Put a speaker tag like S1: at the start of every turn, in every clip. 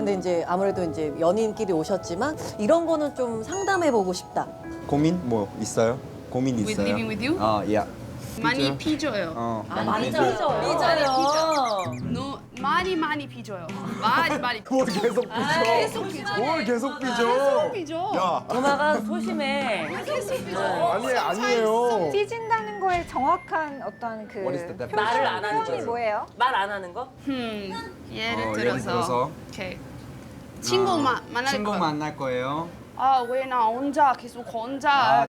S1: 근데 이제 아무래도 이제 연인끼리 오셨지만 이런 거는 좀 상담해보고 싶다.
S2: 고민 뭐 있어요? 고민
S3: With
S2: 있어요?
S3: living with you?
S2: 야.
S3: 많이 삐져요.
S1: 많이
S3: 삐져요.
S1: 삐져요.
S3: No, 많이 삐져요. 많이.
S2: 뭘 계속 삐져?
S3: 계속 삐져.
S2: 뭘 계속 삐져?
S3: 계속 삐져.
S2: 야,
S4: 엄마가 소심해.
S3: 계속 삐져.
S2: 아니에요.
S5: 삐진다는 거에 정확한 어떤 그
S2: What is the definition?
S4: 말을 안 하는
S5: 표현이
S4: 거죠.
S5: 뭐예요?
S4: 말 안 하는 거?
S3: 예를
S2: 예를 들어서?
S3: 들어서. 오케이. 친구 만날
S2: 친구
S3: 거.
S2: 만날 거예요.
S3: 아, 왜 나 혼자 계속 혼자.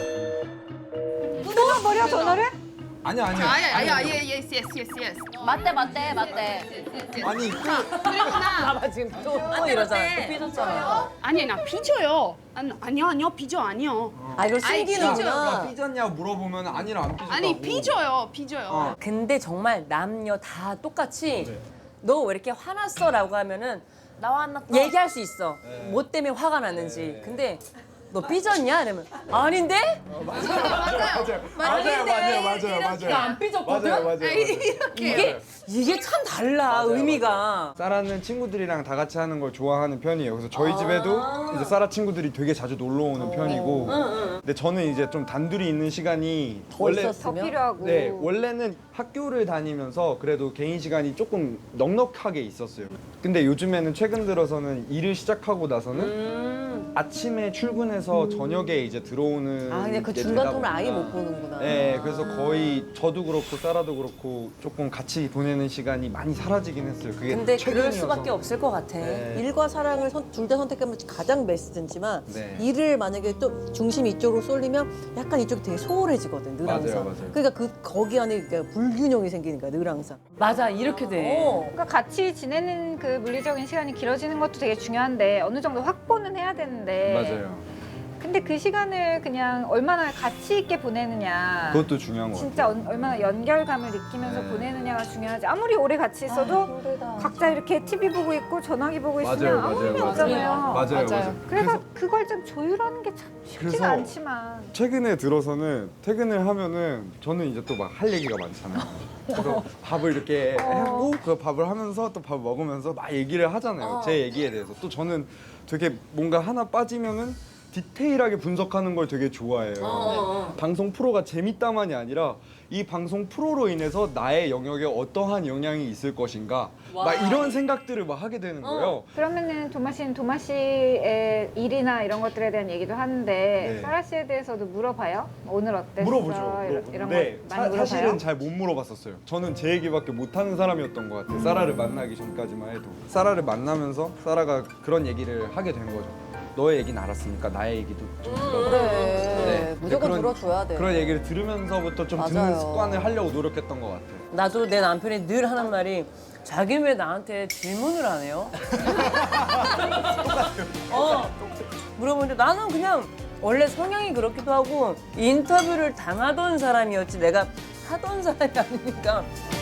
S5: 끊어버려 전화를?
S2: 아니야.
S3: yes.
S6: 맞대.
S2: 아니,
S4: 봐봐 지금 또 이러잖아. 또 삐졌잖아.
S3: 아니, 나 삐져요. 아니요, 삐져 아니요.
S1: 이걸
S2: 야,
S1: 숨기는구나.
S2: 삐졌냐고 물어보면 아니라 안 삐졌다고.
S3: 아니, 삐져요.
S4: 근데 정말 남녀 다 똑같이 너 왜 이렇게 화났어?라고 하면은
S6: 나 화났다.
S4: 얘기할 수 있어. 뭐 때문에 화가 났는지. 근데 너 삐졌냐? 이러면 아닌데?
S2: 맞아요.
S4: 안 삐졌거든?
S2: 맞아요.
S4: 이게 참 달라 의미가.
S2: 사라는 친구들이랑 다 같이 하는 걸 좋아하는 편이에요. 그래서 저희 집에도 이제 사라 친구들이 되게 자주 놀러 오는 편이고. 근데 저는 이제 좀 단둘이 있는 시간이
S1: 더
S5: 더
S1: 있었으면?
S5: 필요하고.
S2: 네, 원래는 학교를 다니면서 그래도 개인 시간이 조금 넉넉하게 있었어요. 근데 요즘에는 최근 들어서는 일을 시작하고 나서는 아침에 출근해서 저녁에 이제 들어오는
S1: 근데 그
S2: 게
S1: 중간
S2: 되다
S1: 텀을 아예
S2: 보니까.
S1: 못 보는구나.
S2: 네, 그래서 거의 저도 그렇고 사라도 그렇고 조금 같이 보내는 시간이 많이 사라지긴 했어요. 그게
S4: 근데 그럴
S2: 최근이어서.
S4: 수밖에 없을 것 같아.
S2: 네.
S1: 일과 사랑을 둘 다 선택하면 가장 베스트지만
S2: 네.
S1: 일을 만약에 또 중심이 이쪽으로 쏠리면 약간 이쪽이 되게 소홀해지거든 늘
S2: 맞아요,
S1: 항상.
S2: 맞아요.
S1: 그러니까 거기 안에 그러니까 불균형이 생기는 거야 늘 항상.
S4: 맞아 이렇게 돼.
S5: 그러니까 같이 지내는 그 물리적인 시간이 길어지는 것도 되게 중요한데 어느 정도 확보는 해야 되는데.
S2: 맞아요.
S5: 근데 그 시간을 그냥 얼마나 가치 있게 보내느냐.
S2: 그것도 중요한 것 같아요.
S5: 진짜 얼마나 연결감을 느끼면서
S2: 네.
S5: 보내느냐가 중요하지. 아무리 오래 같이 있어도 각자 이렇게 TV 보고 있고 전화기 보고 있으면 아무 의미 없잖아요.
S2: 맞아요.
S5: 그래서 그걸 좀 조율하는 게 참 쉽지가
S2: 그래서
S5: 않지만.
S2: 최근에 들어서는 퇴근을 하면은 저는 이제 또 막 할 얘기가 많잖아요. 그래서 밥을 이렇게 하고 그 밥을 하면서 또 밥 먹으면서 막 얘기를 하잖아요. 제 얘기에 대해서. 또 저는 되게 뭔가 하나 빠지면은 디테일하게 분석하는 걸 되게 좋아해요. 방송 프로가 재밌다만이 아니라 이 방송 프로로 인해서 나의 영역에 어떠한 영향이 있을 것인가 막 이런 생각들을 막 하게 되는 거예요.
S5: 그러면은 도마 씨는 도마 씨의 일이나 이런 것들에 대한 얘기도 하는데
S2: 네.
S5: 사라 씨에 대해서도 물어봐요? 오늘 어땠어?
S2: 물어보죠.
S5: 이런
S2: 네,
S5: 거 많이 물어봐요?
S2: 사실은 잘 못 물어봤었어요. 저는 제 얘기밖에 못하는 사람이었던 것 같아요. 사라를 만나기 전까지만 해도. 사라를 만나면서 사라가 그런 얘기를 하게 된 거죠. 너의 얘기는 알았으니까 나의 얘기도 좀 들어봐.
S1: 그래
S2: 네.
S1: 무조건
S2: 그런-
S1: 들어줘야 돼.
S2: 그런 얘기를 들으면서부터 좀 듣는
S1: 맞아요.
S2: 습관을 하려고 노력했던 것 같아요.
S4: 나도 내 남편이 늘 하는 말이 자기는 왜 나한테 질문을 안 해요? 물어보는데 나는 그냥 원래 성향이 그렇기도 하고 인터뷰를 당하던 사람이었지 내가 하던 사람이 아니니까